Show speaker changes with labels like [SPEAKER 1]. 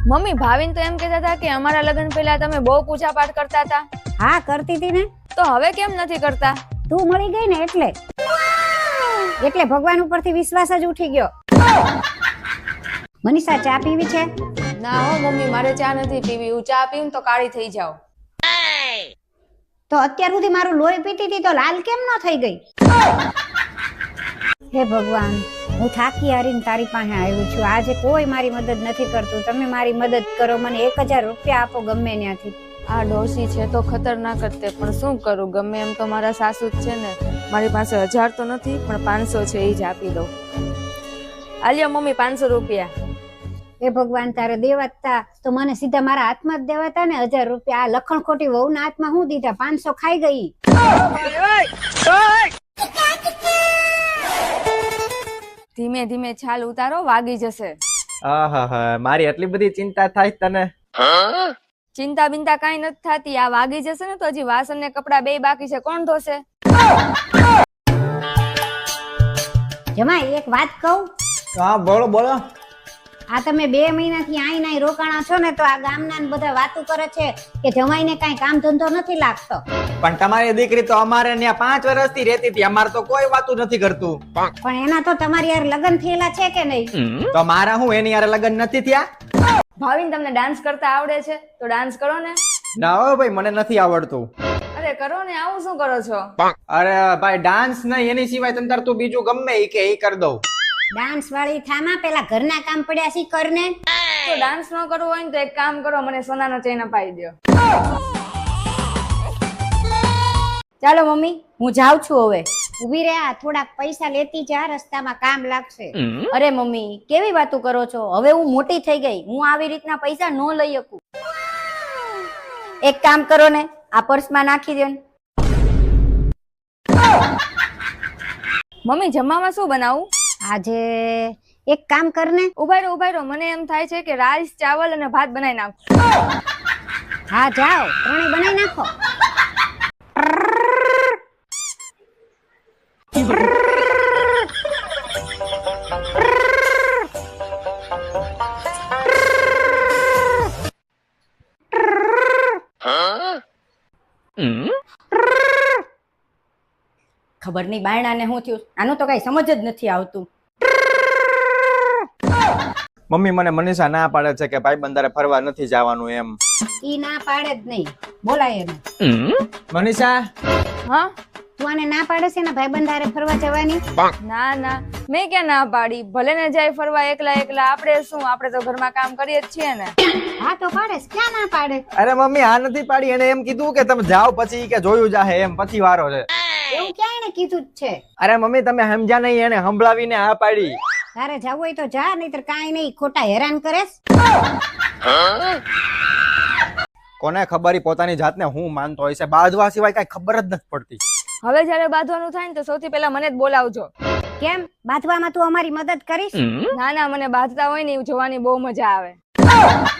[SPEAKER 1] Mummy Bhavin તો એમ કહેતા હતા કે અમારા લગ્ન પહેલા તમે બહુ પૂજા પાઠ કરતા હતા.
[SPEAKER 2] હા કરતી હતી ને.
[SPEAKER 1] તો હવે કેમ નથી કરતા?
[SPEAKER 2] તું મળી ગઈ ને એટલે ભગવાન ઉપરથી વિશ્વાસ જ ઉઠી ગયો. મનીષા ચા પીવી છે?
[SPEAKER 1] ના હો મમ્મી, મારે ચા નથી પીવી. હું ચા પીઉં તો કાળી થઈ જાઉં.
[SPEAKER 2] તો અત્યાર સુધી મારું લોહી પીતી હતી તો લાલ કેમ ન થઈ ગઈ? હે ભગવાન, હું થાકી હારીને તારી પાસે આવી છું. આજે કોઈ મારી મદદ નથી કરતું. તમે મારી મદદ કરો, મને 1000 રૂપિયા આપો ગમે ત્યાંથી.
[SPEAKER 1] આ ડોસી છે તો ખતરનાક જ તે, પણ શું કરું? ગમે એમ તો મારા સાસુ જ છે ને. મારી પાસે 1000 તો નથી, પણ 500 છે, એ જ આપી દઉં. આલ્યો મમ્મી 500 રૂપિયા.
[SPEAKER 2] હે ભગવાન, તારે દેવાતા તો મને સીધા મારા હાથમાં જ દેવાતા ને 1000 રૂપિયા. આ લખણ ખોટી વહુના હાથમાં હું દીધા? 500 ખાઈ ગઈ.
[SPEAKER 1] ધીમે ધીમે છાલ ઉતારો, વાગી જશે.
[SPEAKER 3] આહાહા, મારી એટલી બધી ચિંતા થાય તને?
[SPEAKER 1] ચિંતા બિંતા કઈ નથી થતી. આ વાગી જશે ને તો હજી વાસણ ને કપડા બે બાકી છે, કોણ ધોશે?
[SPEAKER 2] જમાઈ એક વાત કહું?
[SPEAKER 3] હા બોલો બોલો.
[SPEAKER 2] આ તમે 2 મહિનાથી આઈ નાઈ રોકાણા છો ને, તો આ ગામના બધા વાતો કરે છે કે જમાઈને કઈ કામ ધંધો નથી લાગતો.
[SPEAKER 3] પણ તમારી દીકરી તો અમારે ત્યાં 5 વર્ષથી રહેતી હતી. અમારે તો કોઈ વાતું નથી કરતું.
[SPEAKER 2] પણ એના તો તમારી યાર લગ્ન થયેલા છે કે નહીં?
[SPEAKER 3] તો મારા હું એની યાર લગ્ન નથી થયા?
[SPEAKER 1] ભાવિન તમને ડાન્સ કરતા આવડે છે તો ડાન્સ કરો ને.
[SPEAKER 3] ના હો ભાઈ, મને નથી આવડતું.
[SPEAKER 1] અરે કરો ને, આવું શું કરો છો?
[SPEAKER 3] અરે ભાઈ, ડાન્સ નહીં, એની સિવાય તંતર તું બીજું ગમે ઈ કે ઈ કરી દઉં.
[SPEAKER 2] ડાન્સ વાળી થામા, પેલા ઘરના કામ પડ્યા છે કરને.
[SPEAKER 1] તો ડાન્સ ન કરવું હોય ને તો એક કામ કરો, મને સોનાનો ચેન અપાઈ દો. ચાલો મમ્મી, હું જાઉં છું હવે.
[SPEAKER 2] ઉભી રહે, આ થોડાક પૈસા લેતી જા, રસ્તામાં કામ લાગશે.
[SPEAKER 1] અરે મમ્મી, કેવી વાતો કરો છો? હવે હું મોટી થઈ ગઈ, હું આવી રીતના પૈસા ન લઈ શકું. એક કામ કરો ને, આ પર્સમાં નાખી દો ને. મમ્મી, જમવામાં શું બનાવું?
[SPEAKER 2] આજે એક કામ કરને.
[SPEAKER 1] ઉભા રહો, મને એમ થાય છે કે રાઈસ, ચાવલ અને ભાત બનાવી નાખો.
[SPEAKER 2] હા જાઓ, ત્રણેય બનાવી નાખો.
[SPEAKER 1] ખબર નહીં બાયણાને શું થયું, આનું તો કઈ સમજ જ નથી આવતું.
[SPEAKER 3] મમ્મી મને મનીષા ના પાડે છે કે ભાઈ બંધારે ફરવા નથી જવાનું એમ.
[SPEAKER 2] ઈ ના પાડે જ નહીં, બોલાય એને.
[SPEAKER 3] મનીષા,
[SPEAKER 1] હા
[SPEAKER 2] તું આને ના પાડે છે ને ભાઈબંધ હારે ફરવા જવાની?
[SPEAKER 1] ના ના, મેં ક્યાં ના પાડી? ભલે ને જાય ફરવા એકલા એકલા, આપણે શું, આપણે તો ઘરમાં કામ કરીએ જ છીએ ને.
[SPEAKER 2] હા તો પાડે, ક્યાં ના પાડે?
[SPEAKER 3] અરે મમ્મી આ નથી પાડી, એને એમ કીધું કે તમે જાઓ પછી કે જોયું જાહે એમ, પછી વારો છે.
[SPEAKER 2] એવું ક્યાં એને કીધું જ છે?
[SPEAKER 3] અરે મમ્મી તમે સમજ્યા નહીં, એને સંભળાવીને આ પાડી.
[SPEAKER 2] તારે જવું હોય તો જા, નહીતર કાંઈ નહીં, ખોટા હેરાન કરેસ.
[SPEAKER 3] કોને ખબર ઈ પોતાની જાતને હું માનતો હોય છે, બાંધવા સિવાય કઈ ખબર જ નથી પડતી.
[SPEAKER 1] હવે જયારે બાંધવાનું થાય ને તો સૌથી પહેલા મને જ બોલાવજો.
[SPEAKER 2] કેમ, બાંધવામાં તું અમારી મદદ કરીશ?
[SPEAKER 1] ના ના, મને બાંધતા હોય ને એવું જોવાની બહુ મજા આવે.